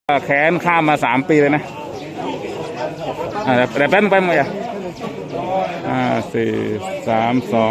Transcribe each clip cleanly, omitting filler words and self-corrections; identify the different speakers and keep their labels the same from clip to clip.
Speaker 1: แค้นข้ามมา3 ปีเลยนะแต่แป๊บนึงไปมั้งอ่ะ4 3 2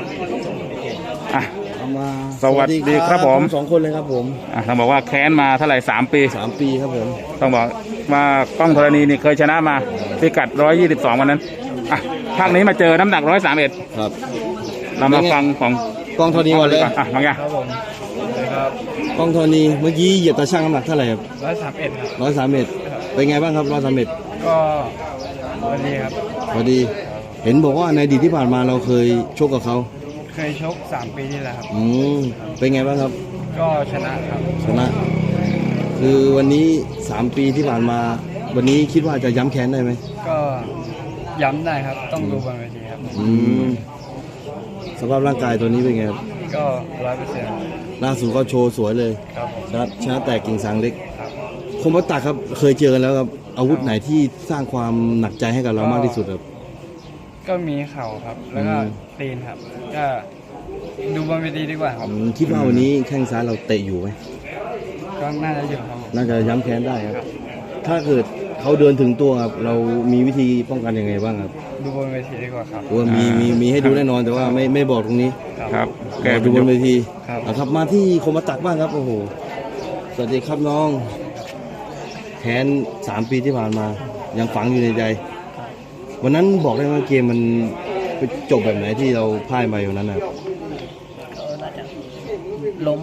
Speaker 1: สวัสดีครับผม
Speaker 2: 2 คนเลยครับผม
Speaker 1: ต้องบอกว่าแค้นมาเท่าไหร่3 ปี
Speaker 2: 3 ปีครับผม
Speaker 1: ต้องบอกว่ากล้องธรณีนี่เคยชนะมาพิกัด122วันนั้นภาคนี้มาเจอน้ำหนัก131
Speaker 2: ครับ
Speaker 1: เรามาฟังของ
Speaker 2: กล้องธรณีก่อนเลย
Speaker 1: บางอย่าง
Speaker 3: ครับผมครับ
Speaker 2: กล้องธรณีเมื่อกี้เหยียบตาช่างน้ำหนักเท่าไหร่ครับ
Speaker 3: 131ครับ
Speaker 2: 131เป็นไงบ้างครับ131
Speaker 3: ก็วันนี้ครับ
Speaker 2: พอดีเห็นบอกว่าในอดีตที่ผ่านมาเราเคยชกกับเขา
Speaker 3: เคยชก3 ปีที่แล้วครับ
Speaker 2: เป็นไงบ้างครับ
Speaker 3: ก็ชนะครับ
Speaker 2: ชนะคือวันนี้3 ปีที่ผ่านมาวันนี้คิดว่าจะย้ำแค้นได้ไหม
Speaker 3: ก็ย้ำได้ครับต้องดูบนเวทีครับ
Speaker 2: สภาพร่างกายตัวนี้เป็นไงครับ
Speaker 3: ก็100%
Speaker 2: ล่าสุดก็โชว์สวยเลย
Speaker 3: ครับ
Speaker 2: ชนะแต่กิ่งสังเล็กคมวัตตาครับเคยเจอกันแล้วครับอาวุธไหนที่สร้างความหนักใจให้กับเรามากที่สุดครับ
Speaker 3: ก็มีเข่าครับแล้วก็ตีนครับก็ดูบนเวทีดีกว่าครับ
Speaker 2: คิดว่าวันนี้แข้งซ้ายเราเตะอยู่ไหม
Speaker 3: ก็น่าจะอยู่ครับ
Speaker 2: น่าจะย้ำแค้นได้ครับถ้าเกิดเขาเดินถึงตัวครับเรามีวิธีป้องกันยังไงบ้างครับ
Speaker 3: ดูบนเวทีดีกว่าครับ
Speaker 2: ว่ามีให้ดูแน่นอนแต่ว่าไม่บอกตรงนี้
Speaker 1: ครับ
Speaker 2: แกดูบนเวทีครับมาที่คมวัตตาบ้างครับโอ้โหสวัสดีครับน้องแค้น3 ปีที่ผ่านมายังฝังอยู่ในใจวันนั้นบอกได้ว่าเกมมันจบแบบไหนที่เราพ่ายไปวันนั้นนะครับ
Speaker 3: น่าจะล้ม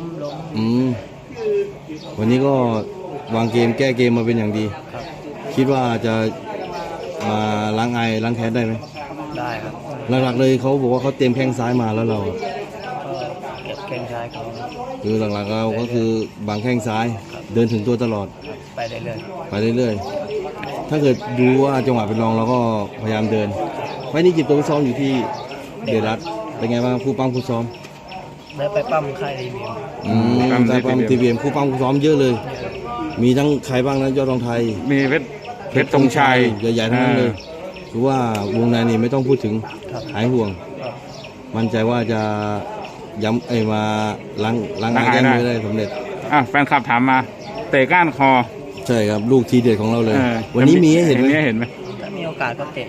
Speaker 2: วันนี้ก็วางเกมแก้เกมมาเป็นอย่างดีคิดว่าจะมาล้างแค้นได้ไหม
Speaker 3: ได้ครับ
Speaker 2: หลักๆเลยเขาบอกว่าเขาเตรียมแข้งซ้ายมาแล้วเรา
Speaker 3: เก็บแข้งซ้ายเขา
Speaker 2: คือหลักๆเราก็คือบางแข้งซ้ายเดินถึงตัวตลอด
Speaker 3: ไปเรื่อย
Speaker 2: ถ้าเกิดดูว่าจังหวะเป็นรองเราก็พยายามเดินไว้นี่จิบตัวซ้อมอยู่ที่เดรัสเป็นไงบ้างผู้ปั้มผู้ซ้อม
Speaker 3: ได้ไปปั้มค่ายทีวี
Speaker 2: ได้ปั้มทีวีผู้ปั้มผู้ซ้อมเยอะเลยมีทั้งใครบ้างนะยอดรองไทย
Speaker 1: มีเพชรธงชัย
Speaker 2: ใหญ่ๆทั้งนั้นเลยคือว่าวงในนี่ไม่ต้องพูดถึงหายห่วงมั่นใจว่าจะย้ำมาล้างแค้นได้สำเร็จ
Speaker 1: แฟนคลับถามมาเตะก้านคอ
Speaker 2: ใช่ครับลูกทีเด็ดของเราเลยวันนี้มีให้เห็นไหม
Speaker 3: ถ้ามีโอกาสก็เตะ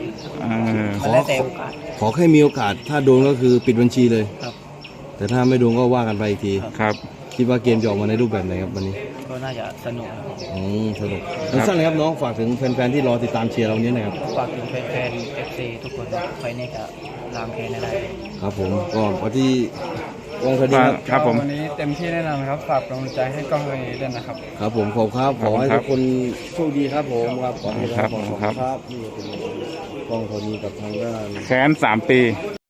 Speaker 2: ขอแค่มีโอกาสถ้าโดนก็คือปิดบัญชีเลยแต่ถ้าไม่โดนก็ว่ากันไปอีกที
Speaker 1: ครับ
Speaker 2: คิดว่าเกมจะออกมาในรูปแบบไหนครับวันนี้
Speaker 3: ก็น่าจะสนุก
Speaker 2: สนุกสั้นเลยครับน้องฝากถึงแฟนๆที่รอติดตามเชียร์เราเนี้ยนะครับ
Speaker 3: ฝากถึงแฟนๆ FC ทุกคนไฟนี้จะล้างแค้นได้
Speaker 2: ครับผมก็วันที่กองคดี
Speaker 1: ครับผม
Speaker 3: วันนี้เต็มที่แน่นอนครับฝากกำลังใจให้กองคดีด้วยนะครับ
Speaker 2: ครับผมขอบครับขอให้ทุกคนโชคดีครับผมครับขอบคุณครับนี่เป็นกองคดีกับทางด้าน
Speaker 1: แค้น3 ปี